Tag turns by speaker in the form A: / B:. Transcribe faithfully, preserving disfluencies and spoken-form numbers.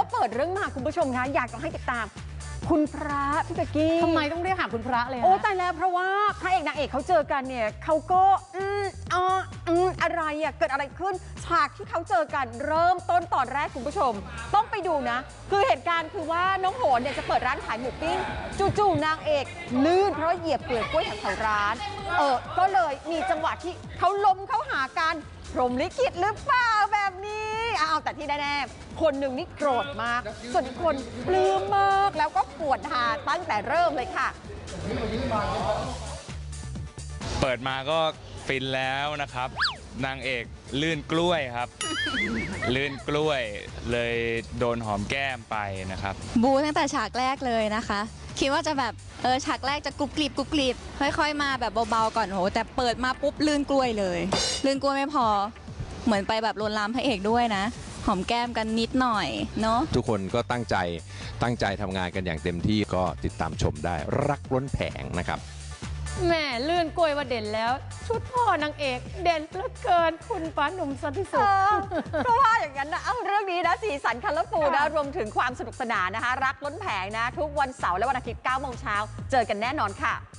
A: เปิดเรื่องมาคุณผู้ชมคะอยากจะให้ติดตามคุณพระพี่เป๊กกี้
B: ทำไมต้องเรียกหาคุณพระเลย
A: โอ้แต่แล้วเพราะว่าพระเอกนางเอกเขาเจอกันเนี่ยเขาก็อืมอ่าอืมอะไรอ่ะเกิดอะไรขึ้นฉากที่เขาเจอกันเริ่มต้นตอนแรกคุณผู้ชมต้องไปดูนะคือเหตุการณ์คือว่าน้องโหนเนี่ยจะเปิดร้านขายหมูปิ้งจู่ๆนางเอกลื่นเพราะเหยียบเปลือกกล้วยแถวร้านเออก็เลยมีจังหวะที่เขาล้มเข้าหากันพรหมลิขิตหรือเปล่าแบบนี้เอาแต่ที่แน่ๆคนหนึ่งนี่โกรธมากส่วนอีกคนปลื้มมากแล้วก็ปวดหาตั้งแต่เริ่มเลยค่ะ
C: เปิดมาก็ฟินแล้วนะครับนางเอกลื่นกล้วยครับ ลื่นกล้วยเลยโดนหอมแก้มไปนะครับ
D: บูตั้งแต่ฉากแรกเลยนะคะคิดว่าจะแบบเออฉากแรกจะกรุบกริบกรุบกริบค่อยๆมาแบบเบาๆก่อนโหแต่เปิดมาปุ๊บลื่นกล้วยเลยลื่นกล้วยไม่พอเหมือนไปแบบลวนลามพระเอกด้วยนะหอมแก้มกันนิดหน่อยเนาะ
E: ทุกคนก็ตั้งใจตั้งใจทำงานกันอย่างเต็มที่ก็ติดตามชมได้รักล้นแผงนะครับ
B: แหม่ลื่นกล้วยว่าเด่นแล้วชุดพ่อนางเอกเด่นเหลือเกินคุณฟ้าหนุ่มสันติสุข
A: เพราะว่าอย่างนั้นนะเอาเรื่องนี้นะสีสันคัลเลอร์ฟูลนะรวมถึงความสนุกสนานนะคะรักล้นแผงนะทุกวันเสาร์และวันอาทิตย์เก้าโมงเช้าเจอกันแน่นอนค่ะ